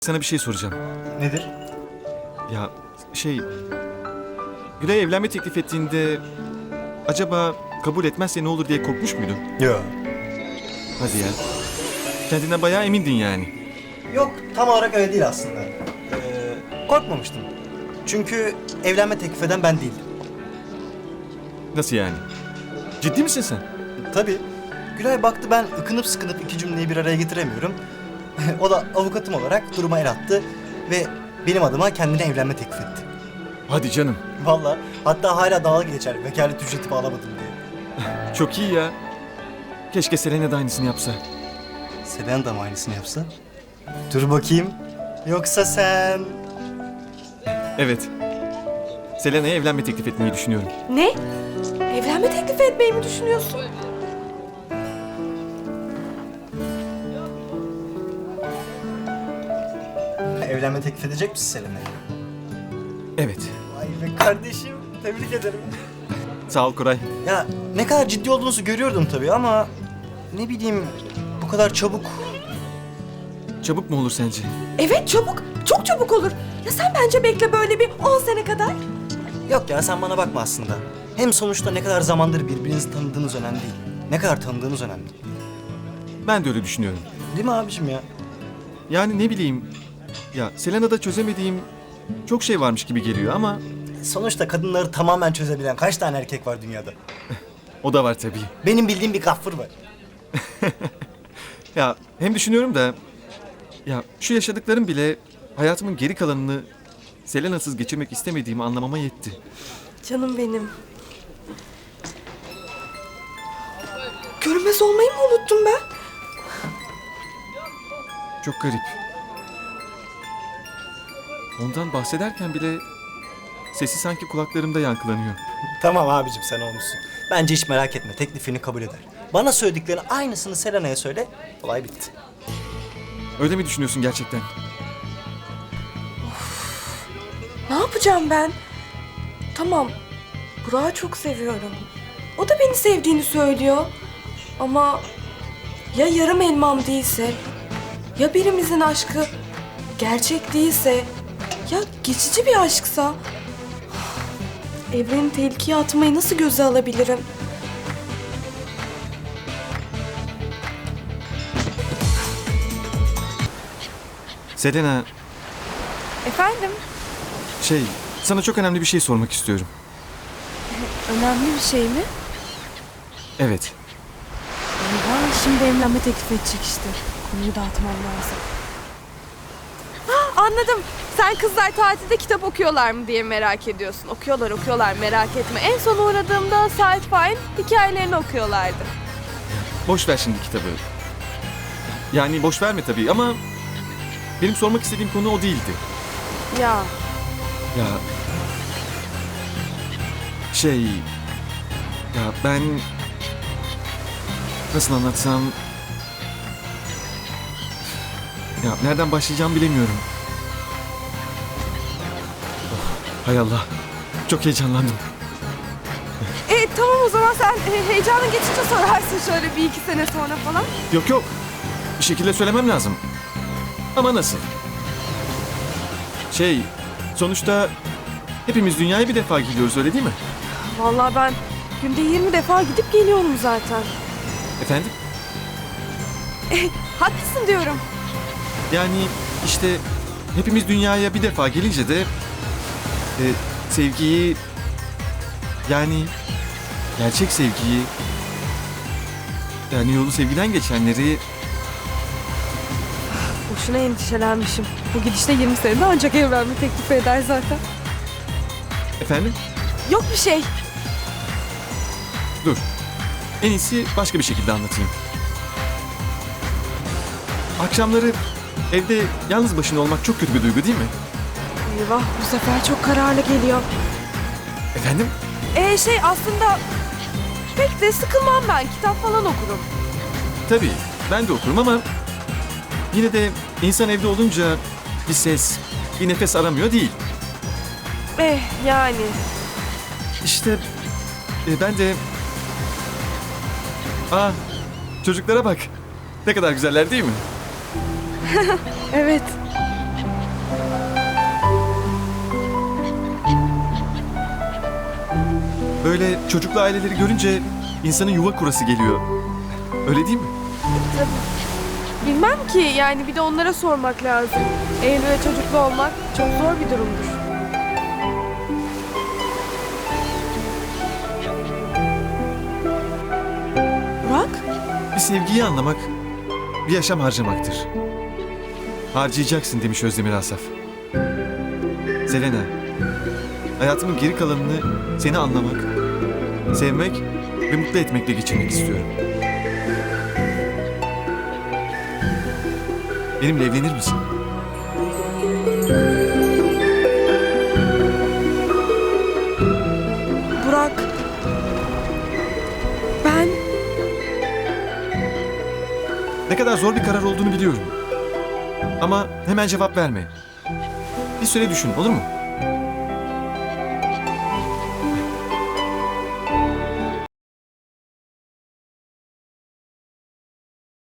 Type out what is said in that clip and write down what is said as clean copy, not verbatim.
Sana bir şey soracağım. Nedir? Ya Gülay evlenme teklif ettiğinde acaba kabul etmezse ne olur diye korkmuş muydun? Yok. Hadi ya. Kendinden bayağı emindin yani. Yok, tam olarak öyle değil aslında. Korkmamıştım. Çünkü evlenme teklif eden ben değildim. Nasıl yani? Ciddi misin sen? Tabii. Gülay baktı ben ıkınıp sıkınıp iki cümleyi bir araya getiremiyorum. O da avukatım olarak duruma el attı ve benim adıma kendine evlenme teklif etti. Hadi canım. Vallahi hatta hala dalga geçer vekalet ücreti bağlamadım diye. Çok iyi ya. Keşke Selena da aynısını yapsa. Selen de mı aynısını yapsa? Dur bakayım. Yoksa sen... Evet. Selena'ya evlenme teklif etmeyi düşünüyorum. Ne? Evlenme teklif etmeyi mi düşünüyorsun? Evlenme teklif edecek misin Selena'ya? Evet. Vay be kardeşim, tebrik ederim. Sağ ol Koray. Ya ne kadar ciddi olduğunuzu görüyordum tabii ama... Ne bileyim, bu kadar çabuk... Çabuk mu olur sence? Evet çabuk. Çok çabuk olur. Ya sen bence bekle böyle bir 10 sene kadar. Yok ya sen bana bakma aslında. Hem sonuçta ne kadar zamandır birbirinizi tanıdığınız önemli değil. Ne kadar tanıdığınız önemli. Ben de öyle düşünüyorum. Değil mi abiciğim ya? Yani ne bileyim. Ya Selena'da çözemediğim çok şey varmış gibi geliyor ama Sonuçta kadınları tamamen çözebilen kaç tane erkek var dünyada? o da var tabii. Benim bildiğim bir gaffır var. Ya hem düşünüyorum da ya şu yaşadıklarım bile hayatımın geri kalanını Selena'sız geçirmek istemediğimi anlamama yetti. Canım benim. Görünmez olmayı mı unuttum ben? Çok garip. Ondan bahsederken bile sesi sanki kulaklarımda yankılanıyor. Tamam abicim sen olmuşsun. Bence hiç merak etme teklifini kabul eder. Bana söylediklerini aynısını Selena'ya söyle. Olay bitti. Öyle mi düşünüyorsun gerçekten? Ne yapacağım ben? Tamam. Burak'ı çok seviyorum. O da beni sevdiğini söylüyor. Ama ya yarım elmam değilse, ya birimizin aşkı gerçek değilse, ya geçici bir aşksa, evreni tehlikeye atmayı nasıl göze alabilirim? Selena, Efendim? sana çok önemli bir şey sormak istiyorum. Önemli bir şey mi? Evet. Eyvah, şimdi evlenme teklif edecek işte. Konuyu dağıtmam lazım. Anladım. Sen kızlar tatilde kitap okuyorlar mı diye merak ediyorsun. Okuyorlar merak etme. En son uğradığımda Sait Faik'in hikayelerini okuyorlardı. Boş ver şimdi kitabı. Yani boş verme tabii ama benim sormak istediğim konu o değildi. Ya Ya ya ben nasıl anlatsam ya nereden başlayacağımı bilemiyorum. Oh, hay Allah. Çok heyecanlandım. tamam o zaman sen heyecanın geçince sorarsın şöyle bir iki sene sonra falan. Yok. Bir şekilde söylemem lazım. Ama nasıl? Sonuçta hepimiz dünyaya bir defa gidiyoruz öyle değil mi? Vallahi ben günde 20 defa gidip geliyorum zaten. Efendim? Haklısın diyorum. Yani işte hepimiz dünyaya bir defa gelince de sevgiyi yani gerçek sevgiyi yani yolu sevgiden geçenleri Boşuna endişelenmişim. Bu gidişte 20 senede ancak evlenme teklif eder zaten. efendim Yok bir şey. dur en iyisi başka bir şekilde anlatayım. Akşamları evde yalnız başına olmak çok kötü bir duygu değil mi? Eyvah bu sefer çok kararlı geliyor. Efendim? Aslında pek de sıkılmam ben. Kitap falan okurum. Tabii ben de okurum ama yine de insan evde olunca bir ses, bir nefes aramıyor değil. Yani. İşte ben de... Çocuklara bak. Ne kadar güzeller değil mi? Evet. Böyle çocuklu aileleri görünce insanın yuva kurası geliyor. Öyle değil mi? Bilmem ki yani bir de onlara sormak lazım. Evli ve çocuklu olmak çok zor bir durumdur. Burak? Bir sevgiyi anlamak, bir yaşam harcamaktır. Harcayacaksın demiş Özdemir Asaf. Selena, hayatımın geri kalanını seni anlamak, sevmek ve mutlu etmekle geçirmek istiyorum. Benimle evlenir misin? Burak. Ben... Ne kadar zor bir karar olduğunu biliyorum. Ama hemen cevap verme. Bir süre düşün, olur mu?